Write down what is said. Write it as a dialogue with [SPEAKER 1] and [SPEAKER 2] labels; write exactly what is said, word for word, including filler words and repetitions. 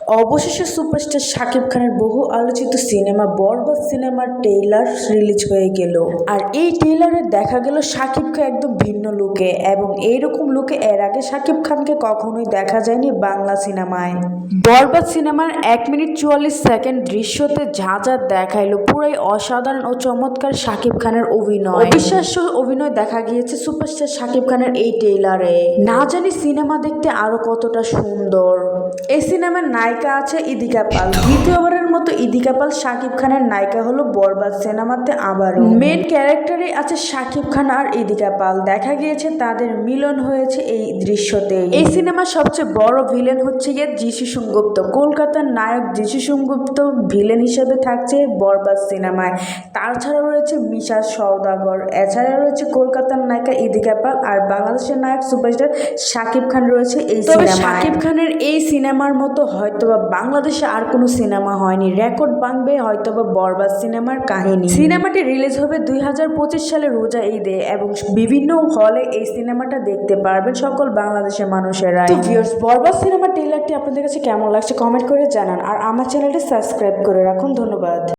[SPEAKER 1] অবশেষে সুপারস্টার শাকিব খানের বহু আলোচিত সিনেমা বরবাদ সিনেমার ট্রেইলার রিলিজ হয়ে গেল। আর এই ট্রেইলারে দেখা গেল শাকিব খান একদম ভিন্ন লুকে, এবং এইরকম লুকে এর আগে শাকিব খানকে কখনোই দেখা যায়নি বাংলা সিনেমায়। বরবাদ সিনেমার এক মিনিট চুয়াল্লিশ সেকেন্ড দৃশ্যতে যা যা দেখাইলো পুরাই অসাধারণ ও চমৎকার শাকিব খানের অভিনয়। অবিশ্বাস্য অভিনয় দেখা গিয়েছে সুপারস্টার শাকিব খানের এই ট্রেইলারে। না জানি সিনেমা দেখতে আরো কতটা সুন্দর। এই সিনেমার নায়িকা আছে ইদিকা পাল। দ্বিতীয়বারের মতো ইদিকা পাল শাকিব খানের নায়িকা হলো বরবাদ সিনেমাতে আবারও। মেন ক্যারেক্টারে আছে শাকিব খান আর ইদিকা পাল। দেখা গিয়েছে তাদের মিলন হয়েছে এই দৃশ্যতে। এই সিনেমার সবচেয়ে বড় ভিলেন হচ্ছে গিয়ে যিশু সেনগুপ্ত। কলকাতার নায়ক যিশু সেনগুপ্ত ভিলেন হিসেবে থাকছে বরবাদ সিনেমায়। তাছাড়াও রয়েছে মিশা সওদাগর, এছাড়া রয়েছে কলকাতার নায়িকা ইদিকা পাল, আর বাংলাদেশের নায়ক সুপারস্টার শাকিব খান রয়েছে এই সিনেমায়। শাকিব খানের এই সিনেমার মতো হয়তোবা বাংলাদেশে আর কোনো সিনেমা হয়নি। রেকর্ড ভাঙবে হয়তোবা বরবাদ সিনেমার কাহিনী। সিনেমাটি রিলিজ হবে দুই হাজার পঁচিশ সালে রোজা ঈদে, এবং বিভিন্ন হলে এই সিনেমাটা দেখতে পারবেন সকল বাংলাদেশের মানুষেরা। তো ভিউয়ার্স, বরবাদ সিনেমার ট্রেইলারটি আপনাদের কাছে কেমন লাগছে কমেন্ট করে জানান, আর আমার চ্যানেলটি সাবস্ক্রাইব করে রাখুন। ধন্যবাদ।